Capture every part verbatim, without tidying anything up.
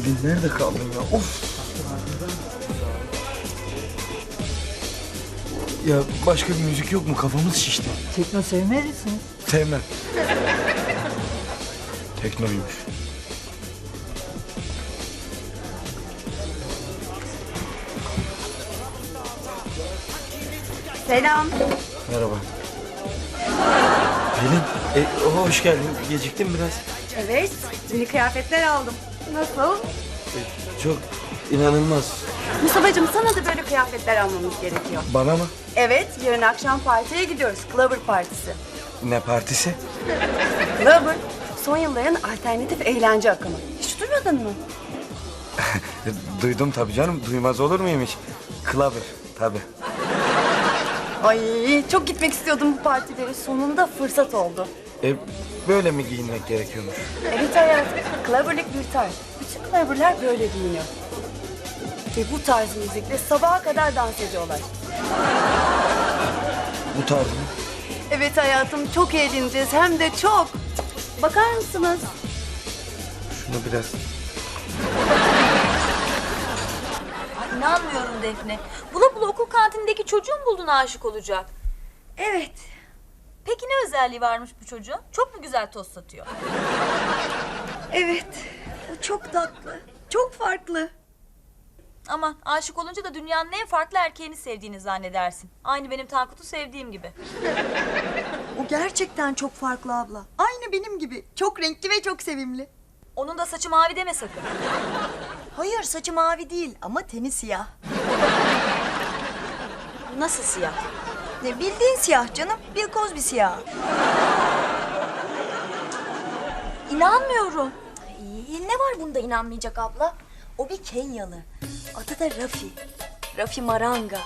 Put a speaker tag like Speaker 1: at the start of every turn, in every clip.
Speaker 1: Nerede kaldın ya? Of! Ya başka bir müzik yok mu? Kafamız şişti.
Speaker 2: Tekno sevmez misiniz?
Speaker 1: Sevmem. Teknoymuş.
Speaker 3: Selam.
Speaker 1: Merhaba. Pelin, e, hoş geldin. Geciktim biraz.
Speaker 3: Evet, yeni kıyafetler aldım. Nasıl?
Speaker 1: E, çok inanılmaz.
Speaker 3: Mustafa'cığım sana da böyle kıyafetler almamız gerekiyor.
Speaker 1: Bana mı?
Speaker 3: Evet, yarın akşam partiye gidiyoruz. Clubber Partisi.
Speaker 1: Ne partisi?
Speaker 3: Clubber, son yılların alternatif eğlence akımı. Hiç duymadın mı?
Speaker 1: E, duydum tabii canım. Duymaz olur muyum hiç? Clubber, tabii.
Speaker 3: Ay, çok gitmek istiyordum bu partilere. Sonunda fırsat oldu.
Speaker 1: E, böyle mi giyinmek gerekiyormuş?
Speaker 3: Evet hayatım, Clubber'lık bir tarz. Bütün Clubber'lar böyle giyiniyor. Ve bu tarz müzikle sabaha kadar dans ediyorlar.
Speaker 1: Bu tarz mı?
Speaker 3: Evet hayatım, çok eğleneceğiz. Hem de çok. Bakar mısınız?
Speaker 1: Şunu biraz...
Speaker 4: Ay, İnanmıyorum Defne. Bula bula okul kantinindeki çocuğu mu buldun aşık olacak?
Speaker 3: Evet.
Speaker 4: Peki ne özelliği varmış bu çocuğun? Çok mu güzel tost satıyor?
Speaker 3: Evet. O çok tatlı. Çok farklı.
Speaker 4: Aman aşık olunca da dünyanın en farklı erkeğini sevdiğini zannedersin. Aynı benim Tankut'u sevdiğim gibi.
Speaker 5: O gerçekten çok farklı abla. Aynı benim gibi. Çok renkli ve çok sevimli.
Speaker 4: Onun da saçı mavi deme sakın.
Speaker 5: Hayır, saçı mavi değil ama teni siyah.
Speaker 4: Nasıl siyah?
Speaker 5: Ne bildiğin siyah canım. Bill Cosby siyah.
Speaker 4: İnanmıyorum.
Speaker 5: Ay, ne var bunda inanmayacak abla? O bir Kenyalı. Adı da Rafi. Rafi Maranga.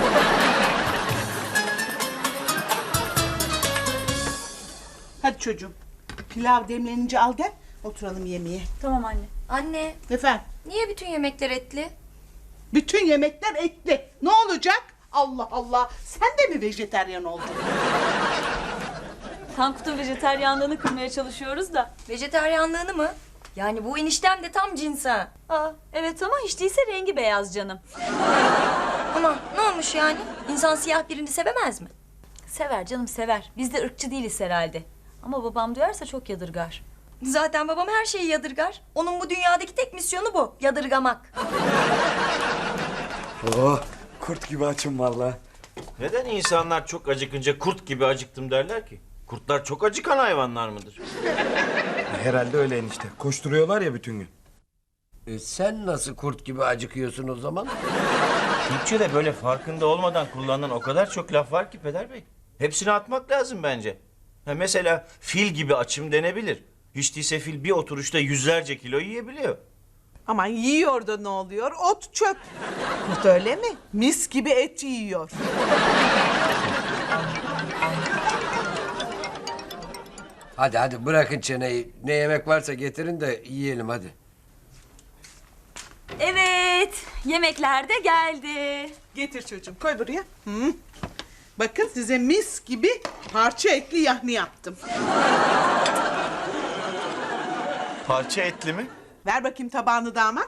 Speaker 6: Hadi çocuğum. Pilav demlenince al gel. Oturalım yemeğe.
Speaker 4: Tamam anne.
Speaker 5: Anne,
Speaker 6: Efendim?
Speaker 5: niye bütün yemekler etli?
Speaker 6: Bütün yemekler etli. Ne olacak? Allah Allah. Sen de mi vejeteryan oldun?
Speaker 4: Tankut'un vejeteryanlığını kırmaya çalışıyoruz da.
Speaker 5: Vejeteryanlığını mı? Yani bu eniştem de tam cins ha.
Speaker 4: Aa, evet ama hiç değilse rengi beyaz canım.
Speaker 5: Ama ne olmuş yani? İnsan siyah birini sevemez mi?
Speaker 4: Sever canım sever. Biz de ırkçı değiliz herhalde. Ama babam duyarsa çok yadırgar.
Speaker 5: Zaten babam her şeyi yadırgar. Onun bu dünyadaki tek misyonu bu. Yadırgamak.
Speaker 1: Oh, kurt gibi açım vallahi.
Speaker 7: Neden insanlar çok acıkınca kurt gibi acıktım derler ki? Kurtlar çok acıkan hayvanlar mıdır?
Speaker 1: Herhalde öyle enişte. Koşturuyorlar ya bütün gün.
Speaker 8: E sen nasıl kurt gibi acıkıyorsun o zaman?
Speaker 7: Türkçe'de böyle farkında olmadan kullanılan o kadar çok laf var ki Peder Bey. Hepsini atmak lazım bence. Ha mesela fil gibi açım denebilir. Hiç değilse fil bir oturuşta yüzlerce kilo yiyebiliyor.
Speaker 6: Aman yiyor da ne oluyor? Ot çöp. Kurt öyle mi? Mis gibi et yiyor.
Speaker 8: Hadi hadi bırakın çeneyi. Ne yemek varsa getirin de yiyelim hadi.
Speaker 4: Evet, yemekler de geldi.
Speaker 6: Getir çocuğum, koy buraya. Hı. Bakın size mis gibi parça etli yahni yaptım.
Speaker 7: Parça etli mi?
Speaker 6: Ver bakayım tabağını damat.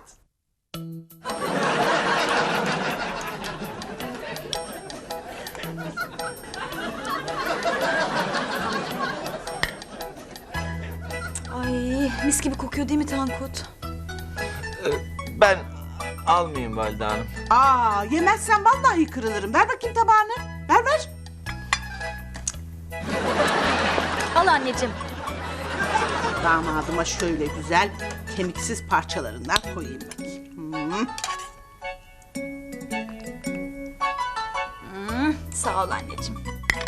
Speaker 4: Ay, mis gibi kokuyor değil mi Tankut?
Speaker 7: Ee, ben almayayım Valide Hanım.
Speaker 6: Aa, yemezsen vallahi kırılırım. Ver bakayım tabağını. Ver ver.
Speaker 4: Al anneciğim.
Speaker 6: Damadıma şöyle güzel kemiksiz parçalarından koyayım bakayım. Hı.
Speaker 4: Sağ ol anneciğim.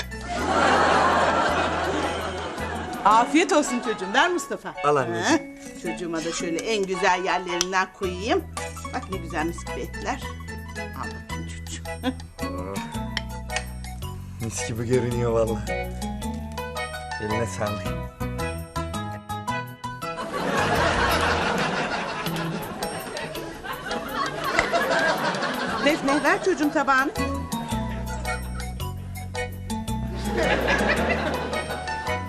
Speaker 6: Afiyet olsun çocuğum. Ver Mustafa.
Speaker 1: Al anneciğim.
Speaker 6: Ha, çocuğuma da şöyle en güzel yerlerinden koyayım. Bak ne güzel mis gibi etler. Al bakayım çocuğum.
Speaker 1: Mis gibi görünüyor vallahi. Eline sağlık.
Speaker 6: Defne ver çocuğum tabağını.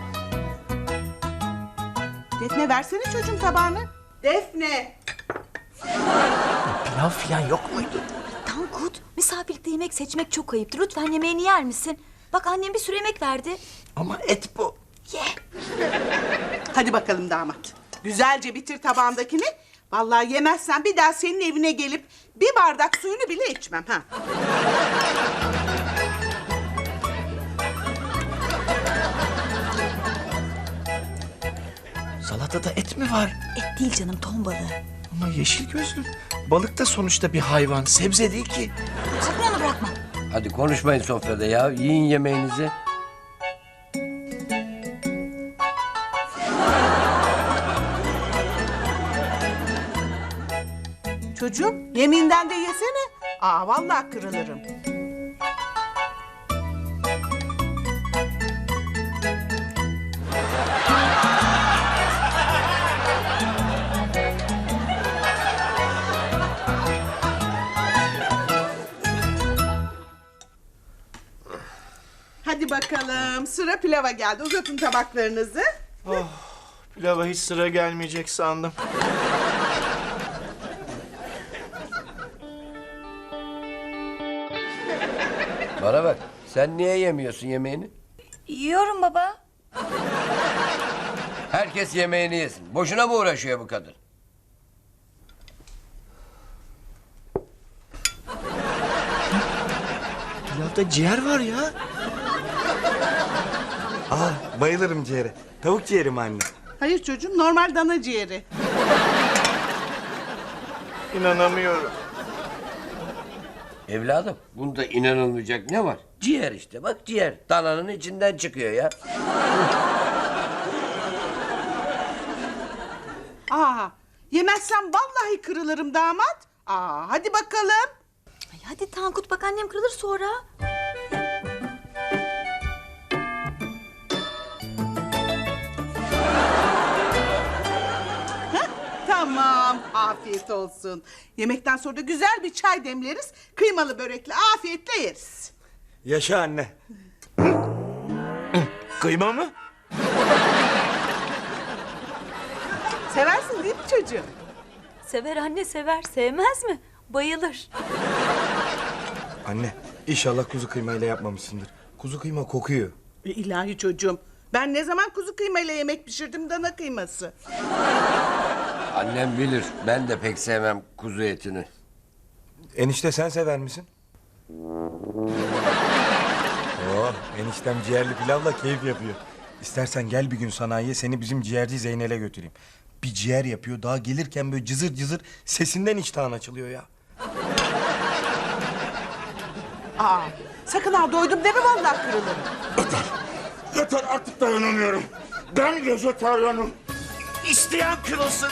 Speaker 6: Defne versene çocuğum tabağını. Defne.
Speaker 7: Pilav falan yok muydu?
Speaker 4: Tankut, misafirlikte yemek seçmek çok ayıptır. Lütfen yemeğini yer misin? Bak annem bir sürü yemek verdi.
Speaker 7: Ama et bu.
Speaker 4: Ye.
Speaker 6: Hadi bakalım damat. Güzelce bitir tabağındakini. Vallahi yemezsen bir daha senin evine gelip bir bardak suyunu bile içmem ha.
Speaker 7: Salatada et mi var?
Speaker 4: Et değil canım, ton balığı.
Speaker 7: Ama yeşil gözlü. Balık da sonuçta bir hayvan. Sebze değil ki.
Speaker 4: Sakın onu bırakma.
Speaker 8: Hadi konuşmayın sofrada ya. Yiyin yemeğinizi.
Speaker 6: Çocuğum yemeğinden de yesene. Aa vallahi kırılırım. Hadi bakalım sıra pilava geldi. Uzatın tabaklarınızı.
Speaker 7: Pilava hiç sıra gelmeyecek sandım.
Speaker 8: Bana bak. Sen niye yemiyorsun yemeğini?
Speaker 4: Yiyorum baba.
Speaker 8: Herkes yemeğini yesin. Boşuna mı uğraşıyor bu kadın?
Speaker 7: Pilavda ciğer var ya.
Speaker 1: Aa, bayılırım ciğere. Tavuk ciğeri mi anne?
Speaker 6: Hayır çocuğum normal dana ciğeri.
Speaker 7: İnanamıyorum.
Speaker 8: Evladım bunda inanılmayacak ne var? Ciğer işte bak ciğer. Dananın içinden çıkıyor ya.
Speaker 6: Aa yemezsem vallahi kırılırım damat. Aa hadi bakalım.
Speaker 4: Ay hadi Tankut, bak annem kırılır sonra.
Speaker 6: Tamam, afiyet olsun. Yemekten sonra da güzel bir çay demleriz. Kıymalı börekle afiyetle yeriz.
Speaker 1: Yaşa anne.
Speaker 7: Kıyma mı?
Speaker 6: Seversin değil mi çocuğum?
Speaker 4: Sever anne, sever. Sevmez mi? Bayılır.
Speaker 1: Anne, inşallah kuzu kıymayla yapmamışsındır. Kuzu kıyma kokuyor.
Speaker 6: E, İlahi çocuğum. Ben ne zaman kuzu kıymayla yemek pişirdim dana kıyması.
Speaker 8: Annem bilir. Ben de pek sevmem kuzu etini.
Speaker 1: Enişte sen sever misin? Oh, eniştem ciğerli pilavla keyif yapıyor. İstersen gel bir gün sanayiye, seni bizim ciğerci Zeynel'e götüreyim. Bir ciğer yapıyor, daha gelirken böyle cızır cızır sesinden iştahın açılıyor ya.
Speaker 6: Aa, sakın ha doydum deme vallahi kırılırım.
Speaker 7: Yeter artık dayanamıyorum. Ben vejetaryenim. İsteyen kırılsın.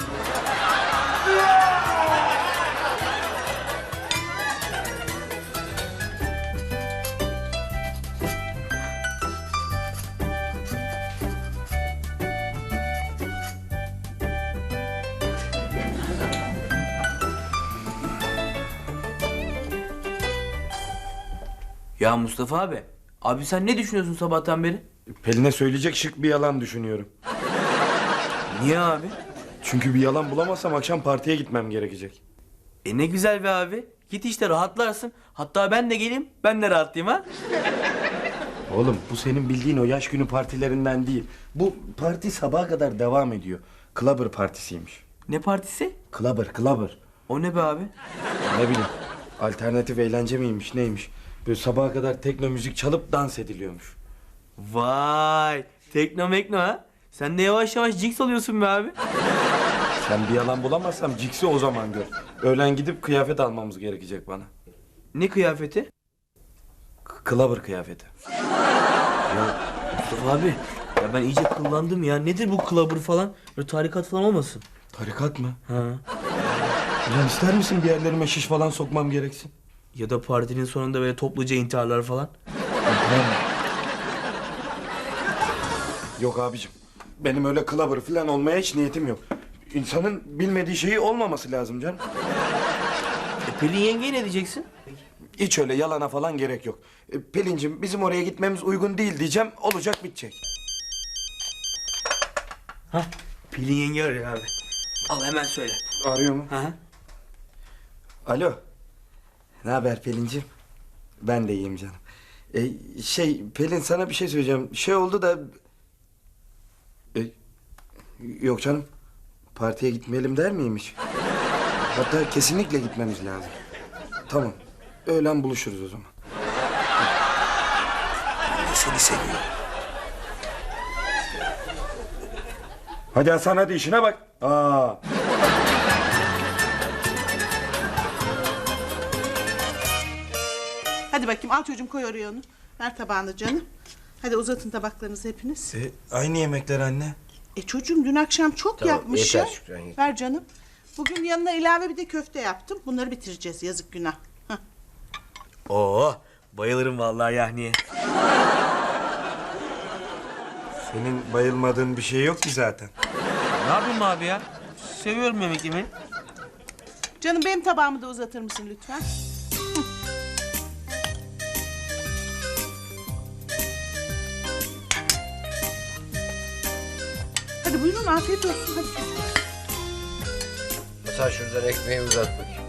Speaker 2: Ya Mustafa abi, abi sen ne düşünüyorsun sabahtan beri?
Speaker 1: Pelin'e söyleyecek şık bir yalan düşünüyorum.
Speaker 2: Niye abi?
Speaker 1: Çünkü bir yalan bulamazsam akşam partiye gitmem gerekecek.
Speaker 2: E ne güzel be abi. Git işte rahatlarsın. Hatta ben de geleyim, ben de rahatlayayım ha.
Speaker 1: Oğlum bu senin bildiğin o yaş günü partilerinden değil. Bu parti sabaha kadar devam ediyor. Clubber partisiymiş.
Speaker 2: Ne partisi?
Speaker 1: Clubber, Clubber.
Speaker 2: O ne be abi?
Speaker 1: Ne bileyim, alternatif eğlence miymiş neymiş? Böyle sabaha kadar tekno müzik çalıp dans ediliyormuş.
Speaker 2: Vay, tekno mekno ha. Sen de yavaş yavaş Jinx oluyorsun be abi.
Speaker 1: Sen bir yalan bulamazsam Cix'i o zaman gör. Öğlen gidip kıyafet almamız gerekecek bana.
Speaker 2: Ne kıyafeti?
Speaker 1: K- Clubber kıyafeti.
Speaker 2: Ya Mustafa abi, ya ben iyice kullandım ya. Nedir bu clubber falan? Böyle tarikat falan olmasın?
Speaker 1: Tarikat mı?
Speaker 2: Ha.
Speaker 1: Ulan ister misin bir yerlerime şiş falan sokmam gereksin?
Speaker 2: Ya da partinin sonunda böyle topluca intiharlar falan.
Speaker 1: Yok abicim. Benim öyle Clubber falan olmaya hiç niyetim yok. İnsanın bilmediği şeyi olmaması lazım canım.
Speaker 2: E Pelin yengeye ne diyeceksin?
Speaker 1: Hiç öyle yalana falan gerek yok. E, Pelin'cim bizim oraya gitmemiz uygun değil diyeceğim. Olacak bitecek.
Speaker 2: Hah, Pelin yenge arıyor abi. Al hemen söyle.
Speaker 1: Arıyor mu?
Speaker 2: Hı hı.
Speaker 1: Alo. Ne haber Pelin'ciğim? Ben de iyiyim canım. Ee, şey Pelin sana bir şey söyleyeceğim. Şey oldu da... Ee, yok canım. Partiye gitmeyelim der miymiş? Hatta kesinlikle gitmemiz lazım. Tamam. Öğlen buluşuruz o zaman. Seni seviyorum. Hadi Hasan hadi işine bak. Aa.
Speaker 6: Hadi bakayım al çocuğum koy oraya onu. Ver tabağını canım. Hadi uzatın tabaklarınızı hepiniz.
Speaker 1: E, aynı yemekler anne.
Speaker 6: E çocuğum dün akşam çok
Speaker 8: Tamam,
Speaker 6: yapmışım.
Speaker 8: yeter Şükran, yeter.
Speaker 6: Ver canım. Bugün yanına ilave bir de köfte yaptım. Bunları bitireceğiz yazık günah. Hah.
Speaker 2: Oo, bayılırım vallahi yahniye.
Speaker 1: Senin bayılmadığın bir şey yok ki zaten.
Speaker 2: Ne yapayım abi ya? Seviyorum yemek yemeyi.
Speaker 6: Canım benim tabağımı da uzatır mısın lütfen? Hı. Hadi buyurun afiyet olsun hadi çocuklar.
Speaker 8: Sen şuradan ekmeği uzat bakayım.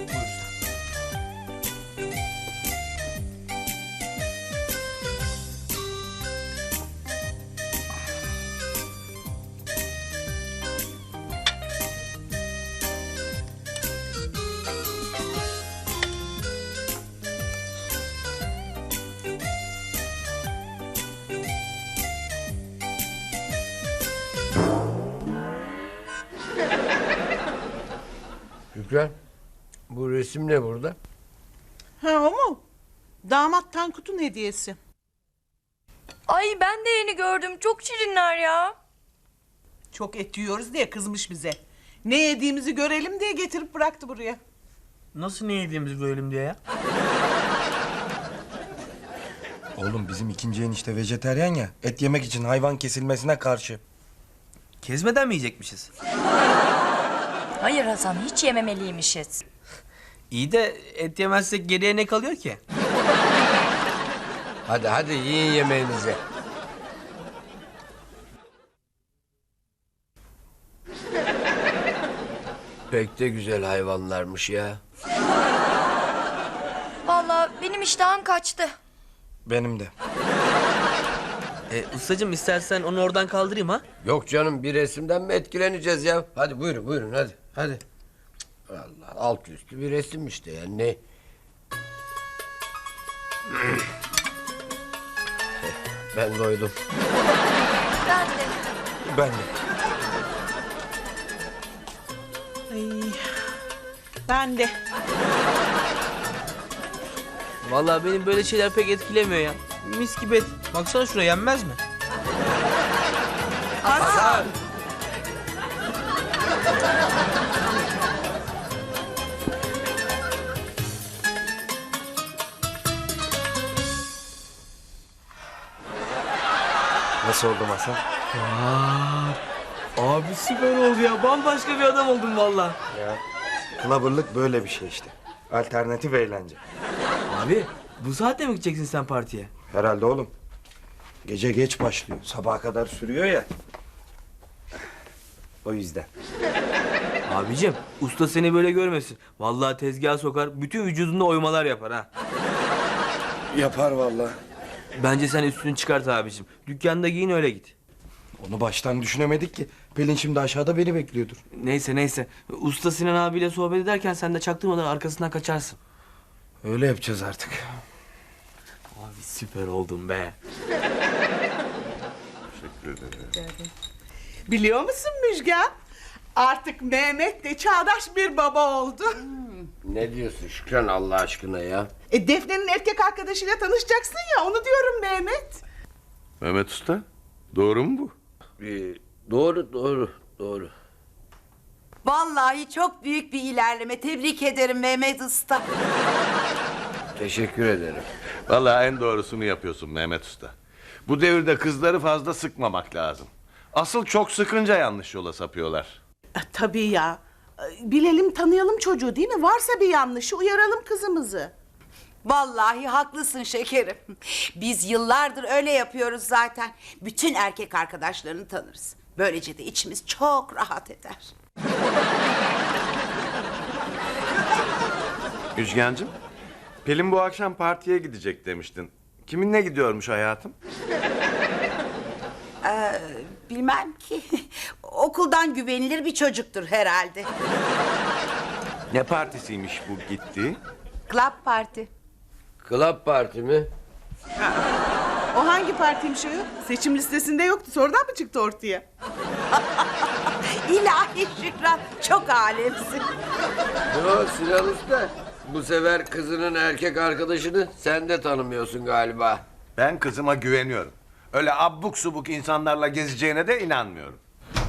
Speaker 8: Şükran, bu resim ne burada?
Speaker 6: Ha o mu? Damat Tankut'un hediyesi.
Speaker 5: Ay ben de yeni gördüm. Çok şirinler ya.
Speaker 6: Çok et yiyoruz diye kızmış bize. Ne yediğimizi görelim diye getirip bıraktı buraya.
Speaker 2: Nasıl ne yediğimizi bölelim diye ya?
Speaker 1: Oğlum bizim ikinci enişte vejeteryan ya. Et yemek için hayvan kesilmesine karşı.
Speaker 2: Kezmeden mi yiyecekmişiz?
Speaker 4: Hayır Hasan, hiç yememeliymişiz.
Speaker 2: İyi de et yemezsek geriye ne kalıyor ki?
Speaker 8: Hadi hadi yiyin yemeğinizi. Pek de güzel hayvanlarmış ya.
Speaker 5: Vallahi benim iştahım kaçtı.
Speaker 1: Benim de.
Speaker 2: E, ustacığım istersen onu oradan kaldırayım ha?
Speaker 8: Yok canım, bir resimden mi etkileneceğiz ya? Hadi buyurun buyurun hadi hadi. Allah, alt üstü bir resim işte yani ne? Ben doydum.
Speaker 5: Ben de.
Speaker 1: Ben de.
Speaker 6: Ay, ben de.
Speaker 2: Vallahi benim böyle şeyler pek etkilemiyor ya. Mis gibi et. Baksana şuraya, yenmez mi?
Speaker 6: Hasan.
Speaker 1: Nasıl oldum Hasan?
Speaker 2: Abi süper oldu ya. Bambaşka bir adam oldum vallahi.
Speaker 1: Ya clubber'lık böyle bir şey işte. Alternatif eğlence.
Speaker 2: Abi bu saatte mi gideceksin sen partiye?
Speaker 1: Herhalde oğlum. Gece geç başlıyor. Sabaha kadar sürüyor ya. O yüzden.
Speaker 2: Abicim usta seni böyle görmesin. Vallahi tezgaha sokar, bütün vücudunda oymalar yapar ha.
Speaker 1: Yapar vallahi.
Speaker 2: Bence sen üstünü çıkart abicim. Dükkanda giyin öyle git.
Speaker 1: Onu baştan düşünemedik ki. Pelin şimdi aşağıda beni bekliyordur.
Speaker 2: Neyse neyse. Usta Sinan abiyle sohbet ederken sen de çaktırmadan arkasından kaçarsın.
Speaker 1: Öyle yapacağız artık.
Speaker 2: Abi süper oldun be.
Speaker 6: Biliyor musun Müjgan? Artık Mehmet de çağdaş bir baba oldu.
Speaker 8: Ne diyorsun Şükran Allah aşkına ya?
Speaker 6: E Defne'nin erkek arkadaşıyla tanışacaksın ya onu diyorum Mehmet.
Speaker 9: Mehmet Usta, doğru mu bu?
Speaker 8: Ee, doğru doğru doğru.
Speaker 10: Vallahi çok büyük bir ilerleme. Tebrik ederim Mehmet Usta.
Speaker 8: Teşekkür ederim.
Speaker 9: Vallahi en doğrusunu yapıyorsun Mehmet Usta. Bu devirde kızları fazla sıkmamak lazım. Asıl çok sıkınca yanlış yola sapıyorlar.
Speaker 6: E, tabii ya. E, Bilelim tanıyalım çocuğu değil mi? Varsa bir yanlışı uyaralım kızımızı.
Speaker 10: Vallahi haklısın şekerim. Biz yıllardır öyle yapıyoruz zaten. Bütün erkek arkadaşlarını tanırız. Böylece de içimiz çok rahat eder.
Speaker 9: Müjgancığım, Pelin bu akşam partiye gidecek demiştin. Kiminle gidiyormuş hayatım?
Speaker 10: Bilmem ki. Okuldan güvenilir bir çocuktur herhalde.
Speaker 9: Ne partisiymiş bu gitti?
Speaker 10: Club parti.
Speaker 8: Club parti mi?
Speaker 6: O hangi partiymiş o? Seçim listesinde yoktu. Sonradan mı çıktı ortaya?
Speaker 10: İlahi Şükran, çok alemsin.
Speaker 8: Yo Sinan Usta. Bu sefer kızının erkek arkadaşını sen de tanımıyorsun galiba.
Speaker 9: Ben kızıma güveniyorum. Öyle abuk subuk insanlarla gezeceğine de inanmıyorum.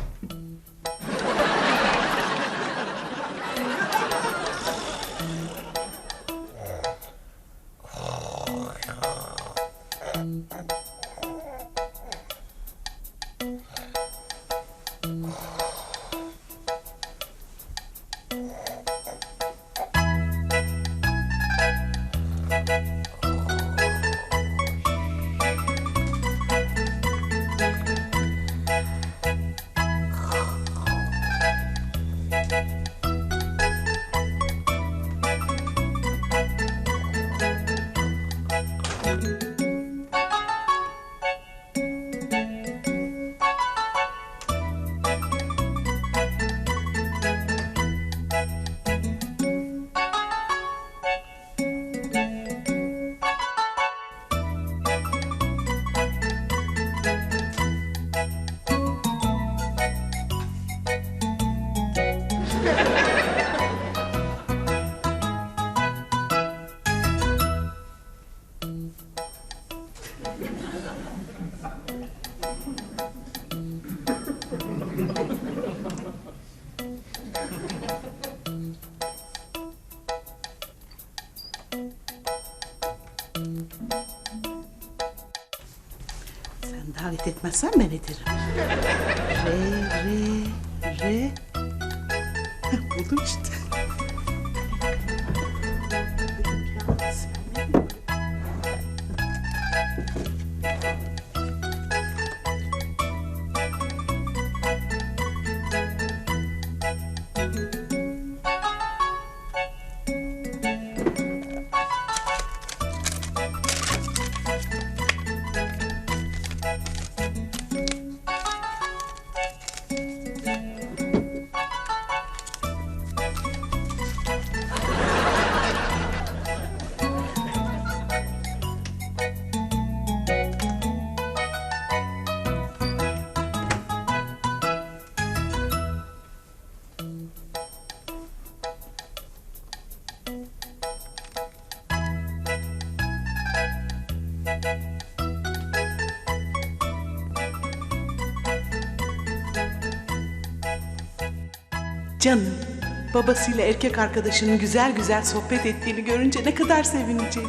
Speaker 6: Sen davet etmezsen ben ederim. Re, re, re. Heh, buldum işte. Canım, babasıyla erkek arkadaşının güzel güzel sohbet ettiğini görünce ne kadar sevinecek.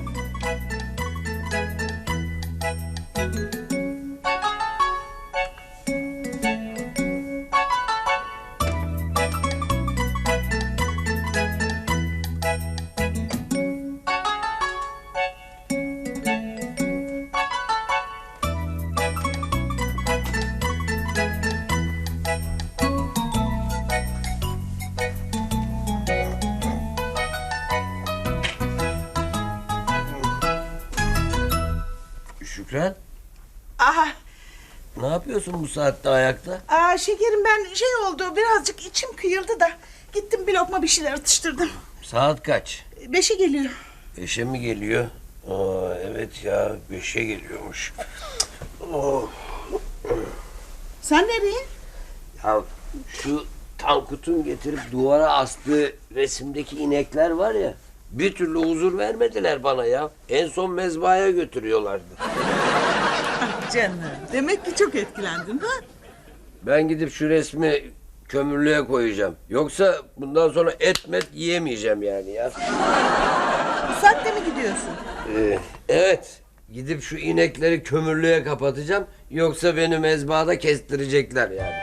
Speaker 8: Şükran,
Speaker 6: Aha,
Speaker 8: ne yapıyorsun bu saatte ayakta?
Speaker 6: aa, şekerim ben şey oldu, birazcık içim kıyıldı da gittim bir lokma bir şeyler atıştırdım.
Speaker 8: Saat kaç?
Speaker 6: Beşe geliyor.
Speaker 8: Beşe mi geliyor? Aa, evet ya, beşe geliyormuş. Oh.
Speaker 6: Sen nereye?
Speaker 8: Ya şu Tankut'un getirip duvara astığı resimdeki inekler var ya, bir türlü huzur vermediler bana ya. En son mezbahaya götürüyorlardı.
Speaker 6: Canım, demek ki çok etkilendin ha?
Speaker 8: Ben gidip şu resmi kömürlüğe koyacağım. Yoksa bundan sonra et met yiyemeyeceğim yani ya.
Speaker 6: Bu saatte mi gidiyorsun?
Speaker 8: Ee, evet. Gidip şu inekleri kömürlüğe kapatacağım. Yoksa beni mezbahada kestirecekler yani.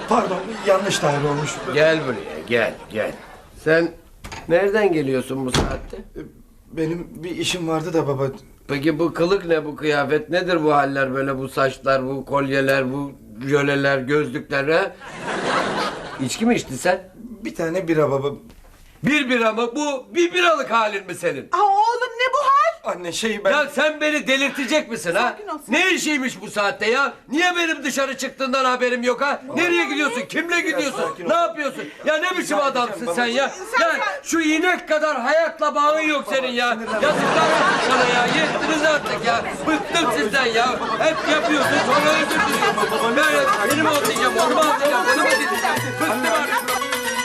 Speaker 1: Pardon, yanlış daire olmuş.
Speaker 8: Gel buraya gel gel. Sen nereden geliyorsun bu saatte?
Speaker 1: Benim bir işim vardı da baba.
Speaker 8: Peki bu kılık ne, bu kıyafet nedir, bu haller böyle, bu saçlar, bu kolyeler, bu jöleler, gözlükler ha? İçki mi içtin sen?
Speaker 1: Bir tane bira baba.
Speaker 8: Bir bira mı? Bu bir biralık halin mi senin?
Speaker 6: Aa, oğlum ne bu hal?
Speaker 1: Anne şey ben...
Speaker 8: Ya sen beni delirtecek misin ha?
Speaker 6: Sakin ol, sakin.
Speaker 8: Ne işiymiş bu saatte ya? Niye benim dışarı çıktığından haberim yok ha? Nereye gidiyorsun? Kimle gidiyorsun?
Speaker 1: sakin ol.
Speaker 8: Ne yapıyorsun? Ya ne biçim
Speaker 1: Rica
Speaker 8: adamsın
Speaker 1: edeceğim
Speaker 8: sen ya?
Speaker 6: Sen-
Speaker 8: Ya şu inek kadar hayatla bağın yok senin ya. Yazıklar olsun sana ya. Yettiniz artık ya. Bıktım sizden ya. Hep yapıyorsun sonra özür diliyorsun. Böyle seni mi atlayacağım, onu mu atlayacağım, onu mu atlayacağım? Bıktım artık.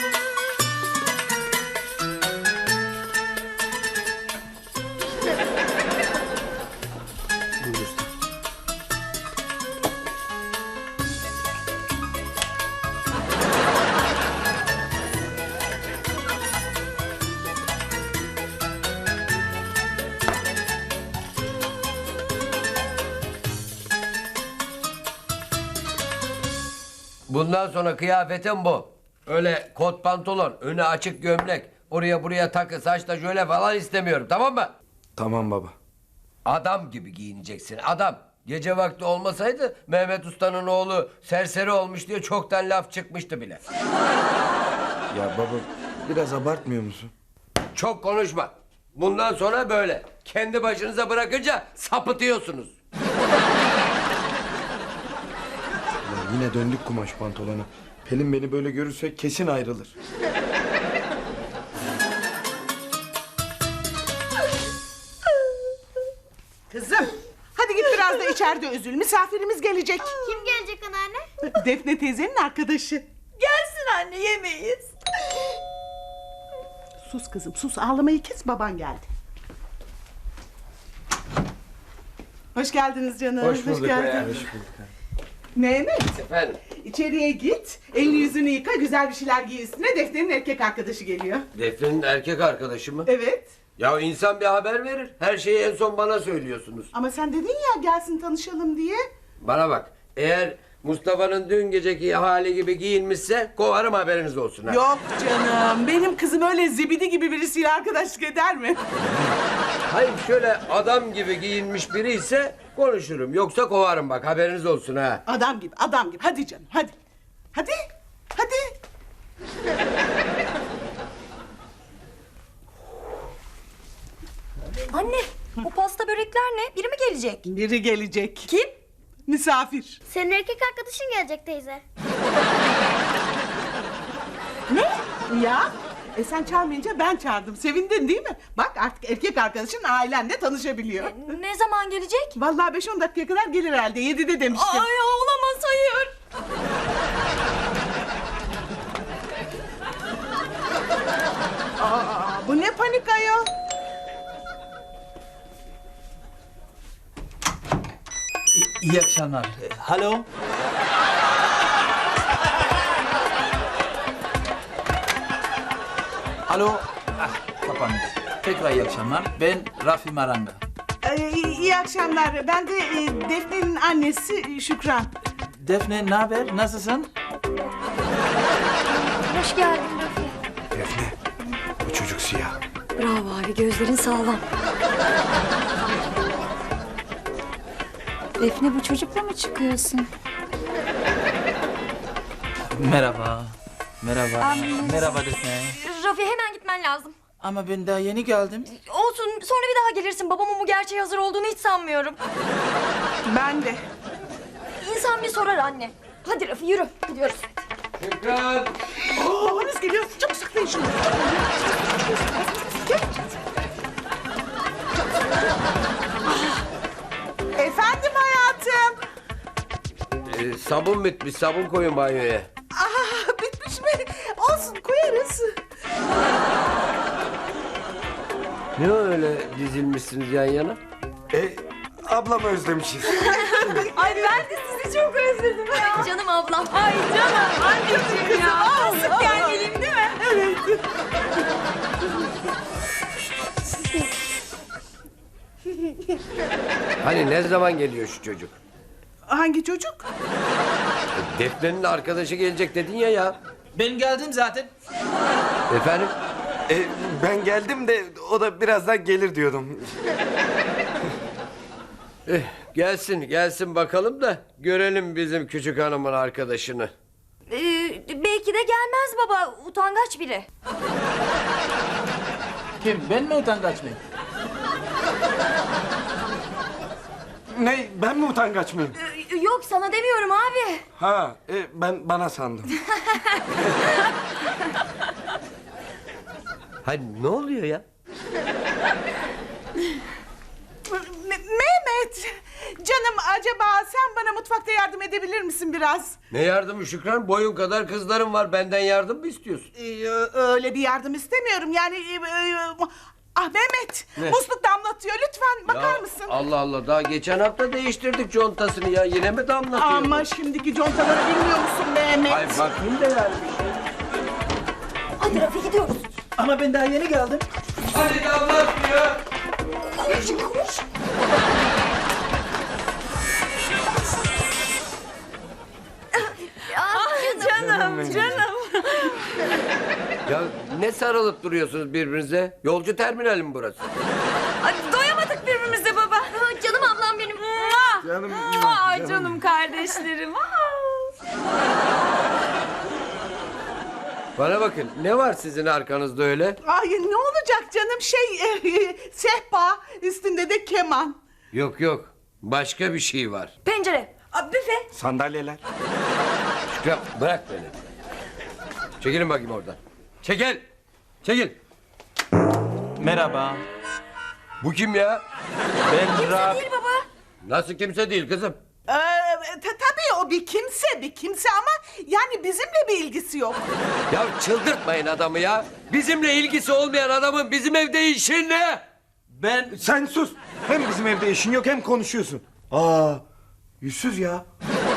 Speaker 8: Bundan sonra kıyafetim bu. Öyle kot pantolon, önü açık gömlek, oraya buraya takı, saçta jöle falan istemiyorum, tamam mı?
Speaker 1: Tamam baba.
Speaker 8: Adam gibi giyineceksin, adam. Gece vakti olmasaydı Mehmet Usta'nın oğlu serseri olmuş diye çoktan laf çıkmıştı bile.
Speaker 1: Ya baba biraz abartmıyor musun?
Speaker 8: Çok konuşma. Bundan sonra böyle. Kendi başınıza bırakınca sapıtıyorsunuz.
Speaker 1: Ya yine döndük kumaş pantolona. Pelin beni böyle görürse kesin ayrılır.
Speaker 6: Kızım hadi git biraz da içeride üzül. Misafirimiz gelecek.
Speaker 5: Kim gelecek anneanne?
Speaker 6: Defne teyzenin arkadaşı.
Speaker 4: Gelsin anne, yemeyiz.
Speaker 6: Sus kızım sus, ağlamayı kes, baban geldi. Hoş geldiniz canım.
Speaker 8: Hoş bulduk
Speaker 6: geldin.
Speaker 8: hayatım.
Speaker 6: Mehmet,
Speaker 8: Efendim?
Speaker 6: içeriye git, elini yüzünü yıka, güzel bir şeyler giy üstüne. Defne'nin erkek arkadaşı geliyor.
Speaker 8: Defne'nin erkek arkadaşı mı?
Speaker 6: Evet.
Speaker 8: Ya insan bir haber verir. Her şeyi en son bana söylüyorsunuz.
Speaker 6: Ama sen dedin ya gelsin tanışalım diye.
Speaker 8: Bana bak. Eğer Mustafa'nın dün geceki hali gibi giyinmişse kovarım, haberiniz olsun ha.
Speaker 6: Yok canım, benim kızım öyle zibidi gibi birisiyle arkadaşlık eder mi?
Speaker 8: Hayır, şöyle adam gibi giyinmiş biri ise konuşurum. Yoksa kovarım, bak haberiniz olsun ha.
Speaker 6: Adam gibi, adam gibi. Hadi canım, hadi. Hadi, hadi.
Speaker 4: Anne, bu pasta börekler ne? Biri mi gelecek?
Speaker 6: Biri gelecek.
Speaker 4: Kim?
Speaker 6: Misafir.
Speaker 5: Senin erkek arkadaşın gelecek teyze.
Speaker 6: Ne? Ya? E sen çağırmayınca ben çağırdım. Sevindin değil mi? Bak artık erkek arkadaşın ailenle tanışabiliyor.
Speaker 4: Ne zaman gelecek?
Speaker 6: Vallahi beş on dakikaya kadar gelir herhalde. Yedide demiştim.
Speaker 4: Ay olamaz, hayır.
Speaker 6: Aa, bu ne panik ayol?
Speaker 11: İyi akşamlar. Alo. Alo. Ah, kapandı. Tekrar iyi akşamlar. Ben Rafi Maranga.
Speaker 6: Ee, iyi, iyi akşamlar. Ben de e, Defne'nin annesi Şükran.
Speaker 11: Defne, ne haber? Nasılsın?
Speaker 5: Hoş geldin Rafi.
Speaker 1: Defne, bu çocuk siyah.
Speaker 3: Bravo abi, gözlerin sağlam. Defne, bu çocukla mı çıkıyorsun?
Speaker 11: Merhaba. Merhaba. Merhaba Defne.
Speaker 4: Rafi, hemen gitmen lazım.
Speaker 11: Ama ben daha yeni geldim.
Speaker 4: Olsun, sonra bir daha gelirsin. Babamın bu gerçeğe hazır olduğunu hiç sanmıyorum.
Speaker 6: Ben de.
Speaker 4: İnsan bir sorar anne. Hadi Rafi, yürü. Gidiyoruz.
Speaker 8: Şükran!
Speaker 6: Babanız geliyor. Çok saklayın şunu. Gel. Efendim hayatım.
Speaker 8: Ee, sabun bitmiş, sabun koyun banyoya.
Speaker 6: Aa, bitmiş mi? Olsun, koyarız.
Speaker 8: Ne öyle dizilmişsiniz yan yana?
Speaker 1: E, ablamı özlemişiz.
Speaker 4: Ay ben de sizi çok özledim ya. Canım ablam. Ay canım anneciğim ya. Sık gel geleyim değil mi?
Speaker 6: Evet.
Speaker 8: Hani ne zaman geliyor şu çocuk?
Speaker 6: Hangi çocuk?
Speaker 8: Defne'nin arkadaşı gelecek dedin ya ya.
Speaker 11: Ben geldim zaten.
Speaker 8: Efendim?
Speaker 1: E, ben geldim de o da birazdan gelir diyordum.
Speaker 8: Eh, gelsin gelsin bakalım da görelim bizim küçük hanımın arkadaşını.
Speaker 5: Ee, belki de gelmez baba. Utangaç biri.
Speaker 11: Kim? Ben mi utangaç mıyım?
Speaker 1: Ne, ben mi utangaç mıyım?
Speaker 5: Ee, yok sana demiyorum abi.
Speaker 1: Ha, e, ben bana sandım.
Speaker 8: Hayır ne oluyor ya?
Speaker 6: Me- Mehmet, canım acaba sen bana mutfakta yardım edebilir misin biraz?
Speaker 8: Ne yardımı Şükran? Boyun kadar kızların var. Benden yardım mı istiyorsun?
Speaker 6: Ee, öyle bir yardım istemiyorum yani. e, e, ah Mehmet,
Speaker 8: Ne?
Speaker 6: musluk damlatıyor. Lütfen bakar
Speaker 8: Ya,
Speaker 6: mısın?
Speaker 8: Allah Allah daha geçen hafta değiştirdik contasını ya. Yine mi damlatıyor?
Speaker 6: Ama şimdiki contaları bilmiyor musun Mehmet?
Speaker 8: Ay bakayım da yani bir şey.
Speaker 5: Hadi Rafi gidiyoruz.
Speaker 11: Ama ben daha yeni geldim.
Speaker 8: Hadi damlatmıyor.
Speaker 5: Canım, canım.
Speaker 8: Ya ne sarılıp duruyorsunuz birbirinize? Yolcu terminali mi burası?
Speaker 4: Ay, doyamadık birbirimize baba.
Speaker 5: Aa, canım ablam benim.
Speaker 1: Canım,
Speaker 4: Ay canım kardeşlerim. Aa.
Speaker 8: Bana bakın ne var sizin arkanızda öyle?
Speaker 6: Ay ne olacak canım şey e, sehpa üstünde de keman.
Speaker 8: Yok yok başka bir şey var.
Speaker 5: Pencere. Aa, büfe.
Speaker 1: Sandalyeler.
Speaker 8: Şükran bırak beni. Çekilin bakayım oradan. Çekil. Çekil.
Speaker 11: Merhaba.
Speaker 8: Bu kim ya?
Speaker 11: Ben Rab...
Speaker 5: Değil baba.
Speaker 8: Nasıl kimse değil kızım.
Speaker 6: Ee, ta- tabii o bir kimse bir kimse ama yani bizimle bir ilgisi yok.
Speaker 8: Ya çıldırtmayın adamı ya. Bizimle ilgisi olmayan adamın bizim evde işi ne?
Speaker 11: Ben...
Speaker 1: Sen sus. Hem bizim evde işin yok hem konuşuyorsun. Aa, yüzsüz ya.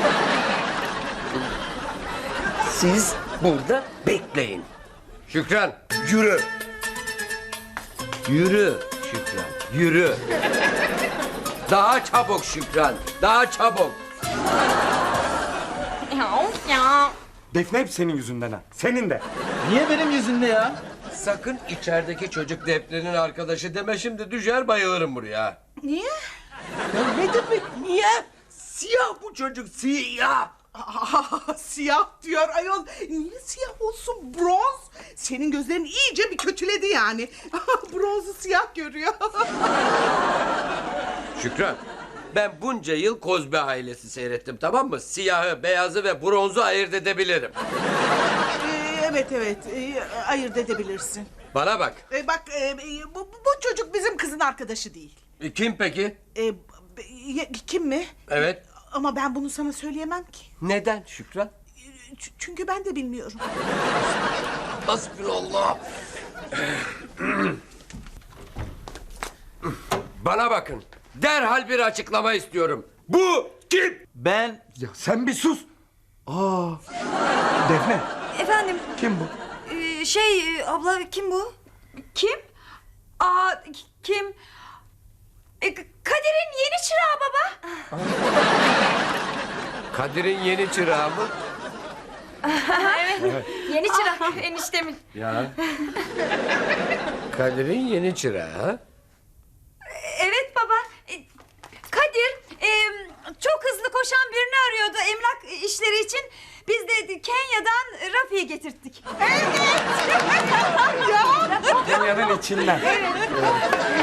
Speaker 8: Siz burada bekleyin. Şükran yürü. Yürü Şükran yürü. Daha çabuk Şükran daha çabuk.
Speaker 4: Ya, ya.
Speaker 1: Defne hep senin yüzünden ha. Senin de.
Speaker 11: Niye benim yüzümde ya?
Speaker 8: Sakın içerideki çocuk Defne'nin arkadaşı deme şimdi düşer bayılırım buraya.
Speaker 6: Niye?
Speaker 8: Ya ne demek niye? Siyah bu çocuk siyah.
Speaker 6: Aa, siyah diyor ayol. Niye siyah olsun bronz? Senin gözlerin iyice bir kötüledi yani. Bronzu siyah görüyor.
Speaker 8: Şükran ben bunca yıl Kozbi ailesi seyrettim tamam mı? Siyahı, beyazı ve bronzu ayırt edebilirim.
Speaker 6: Ee, evet evet ee, ayırt edebilirsin.
Speaker 8: Bana bak.
Speaker 6: Ee, bak ee, bu, bu çocuk bizim kızın arkadaşı değil.
Speaker 8: E, kim peki?
Speaker 6: Ee, b- ye- kim mi?
Speaker 8: Evet.
Speaker 6: Ama ben bunu sana söyleyemem ki.
Speaker 8: Neden Şükran?
Speaker 6: Ç- çünkü ben de bilmiyorum.
Speaker 8: Hasbinallah. Bana bakın. Derhal bir açıklama istiyorum. Bu kim?
Speaker 11: Ben...
Speaker 1: Ya sen bir sus. Aa, Defne.
Speaker 5: Efendim.
Speaker 1: Kim bu?
Speaker 5: e, şey e, abla kim bu?
Speaker 4: Kim? Aa, kim? E, Kadir'in yeni çırağı baba.
Speaker 8: Kadir'in yeni çırağı mı?
Speaker 4: Evet. Yeni çırak eniştemin.
Speaker 8: Ya. Kadir'in yeni çırağı ha?
Speaker 4: Evet baba. E, Kadir e, çok hızlı koşan birini arıyordu emlak işleri için. Biz de Kenya'dan Rafi'yi getirttik.
Speaker 1: Dünyanın içinden.
Speaker 4: Evet.